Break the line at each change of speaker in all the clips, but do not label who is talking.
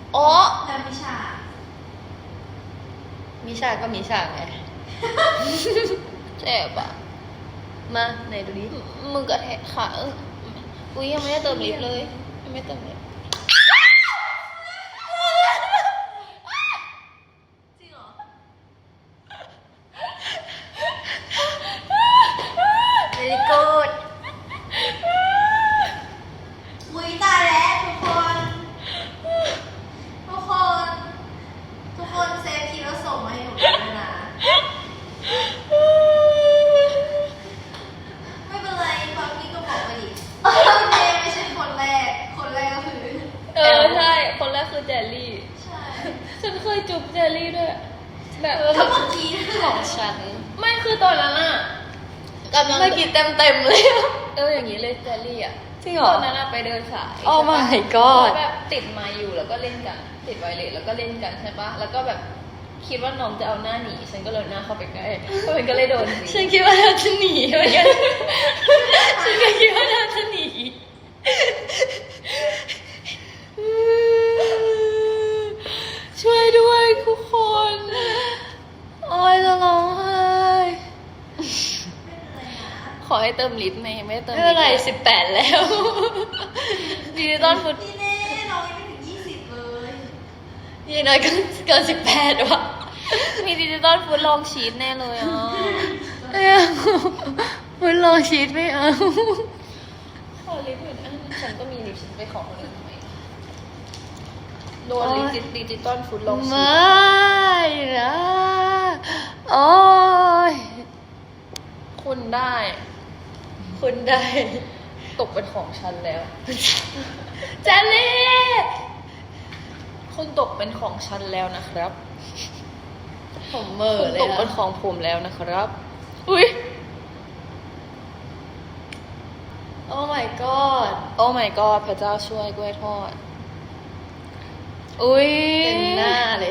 อ๋อ
แล้วมิชา
ก็มิชาไง
เจ็บอ่ะ
มาไหนดูดิ
มึงกระแทกขาอุ้ยยังไม่ได้เติมลิฟต์เลยยังไม่เติมลิฟต์
จริงเหรอ
เวลี่กูด
อุ้ยตายแล้วทุกคนเซฟทีแล้วส่งมาให้หนูด้วยนะไม่เป็นไรฟังพี่ก็บอกไปดิเจไม่ใช่คนแรกก็คือ
ใช่คนแรกคือแจลลี่
ใช่
ฉันเคยจุบแจลลี่ด้วยแบบ
ก็เมื่อกี้
ของฉัน
ไม่คือตอนนั้นอ่ะกำลัง
เมื่อกี้เต็มเลย
อย่างนี้เลยแจลลี่อ่ะ
จริงเหรอ
ตอนนั้นอะไปเดินสาย
Oh
ใช่ปะ
my god
แล้วแบบติดไมค์อยู่แล้วก็เล่นกันติดไวเลสแล้วก็เล่นกันใช่ปะแล้วก็แบบคิดว่าน้องจะเอาหน้าหนีฉันก็เลยหน้าเข้าไปใกล้ก็มันก็เลยโดน
ฉันคิดว่าเราจะหนีเหมือนกัน ฉันก็คิดว่าเราจะหนี ช่วยด้วยทุกคน โอ้ยจะร้องไห้
ขอให้เติมลิฟต์ไหมไม่ได้เติม
ไม่เป็นไร18 แล้ว
ดิจิตอลฟุต
พี่เน่น้องยังไม่ถึง20เลย
ยี่น้อยก็เกิน18ว่ะ
มีดิจิตอลฟุตลองชีตแน่เลยอ่ะ
ไม่เอามันลองชีตไม่เอา
ขอลิฟต์อยู่นะฉันก็มีลิฟต์ฉันไปขอคนอื่นทำไมโดนดิจิตอลฟุตลองชี
ไม
ต่
นะโอ้ย
คุณได้
คุณได้
ตกเป็นของฉันแล้ว
เจลลี่
คุณตกเป็นของฉันแล้วนะครับ
ผมเหม่อ
คุณ
เลย
ตก
อะ
เป็นของผมแล้วนะครับ อุ้ย
โอ้ my god
โอ้ my god พระเจ้าช่วยกล้วยทอด อุ้ย
เต็มหน้าเลย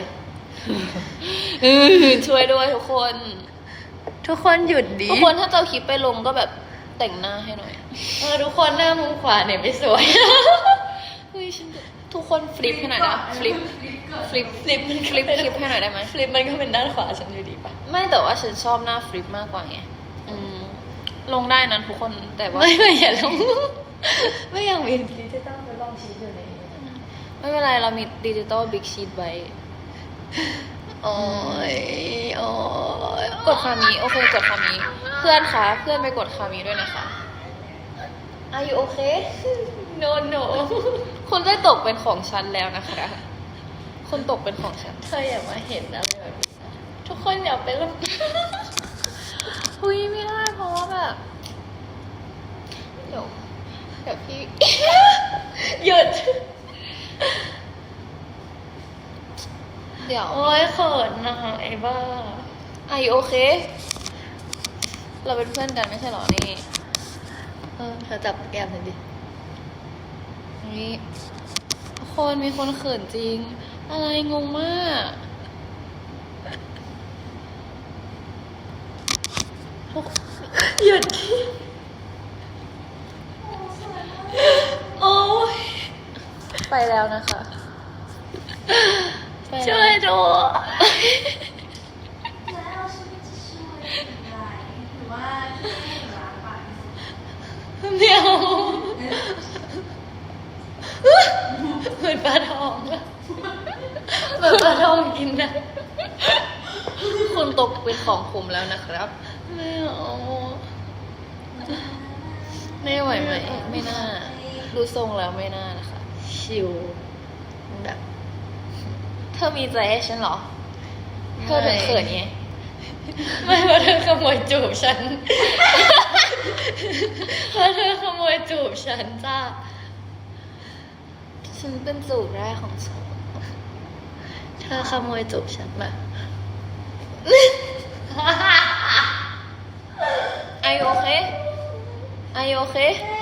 ช่วยด้วยทุกคน
ทุกคนหยุดดิ
ทุกคนถ้าจะเอาคลิปไปลงก็แบบแต่งหน้าให้หน่อย
ทุกคนหน้ามุมขวาเนี่ยไม่สวย
เฮ้ยฉันทุกคนฟลิปให้หน่อยนะฟลิปฟลิป
ฟลิปมัน
ฟลิปคลิปให้หน่อยได้ไหม
ฟลิปมันก็เป็นด้านขวาฉันอยู่ดีปะ
ไม่แต่ว่าฉันชอบหน้าฟลิปมากกว่าไงลงได้นะทุกคนแต่ว่า
ไม่อย่าลง ไม่อยากมีดิจิตอลไปลองชีตอยู่ในนี้
ไม่เป็นไรเรามีดิจิตอลบิ๊กชีตไว้
โอ้ยโอ้ย
กดคามีโอเคกดคามีเพื่อนคะเพื่อนไปกดคามีด้วยนะคะ Are you okay
no no
คุณได้ตกเป็นของฉันแล้วนะคะคุณตกเป็นของฉัน
เธออย่ามาเห็นอะไรแบบนี้นะทุกคนอย่าไปลบ
หุยไม่ได้เพราะว่าแบบเดี๋ยวพี่
หยุด
เดี๋ยว
โอ้ยเขินนะคะไอ้บ้า
Are you okay เราเป็นเพื่อนกันไม่ใช่เหรอนี่
เธอจับแก้มฉันดิ
นี่คนมีคนเขินจริง อะไรงงมากทุก
หยุดโอ้ย
ไปแล้วนะคะไปแล้ว
ช่วยดู
แล้วฉันจะช่วยอะไรหรือว่าพี่เน่รักปากที่สุด
เมียวเหมือนปลาทองอะเหมือนปลาทองกินนะ
คุณตกเป็นของผมแล้วนะครับ
ไม่เอา
ไม่ไหวไหมไม่น่า ดูทรงแล้วไม่น่านะคะ
ชิวแบบ
เธอมีใจให้ฉันเหรอ เธอถึงเขินไง
ไม่เพราะเธอขโมยจูบฉัน เพราะเธอขโมยจูบฉันจ้า
ฉันเป็นจูบแรกของฉัน
เธอขโมยจูบฉันมา
Are you okay Are you okay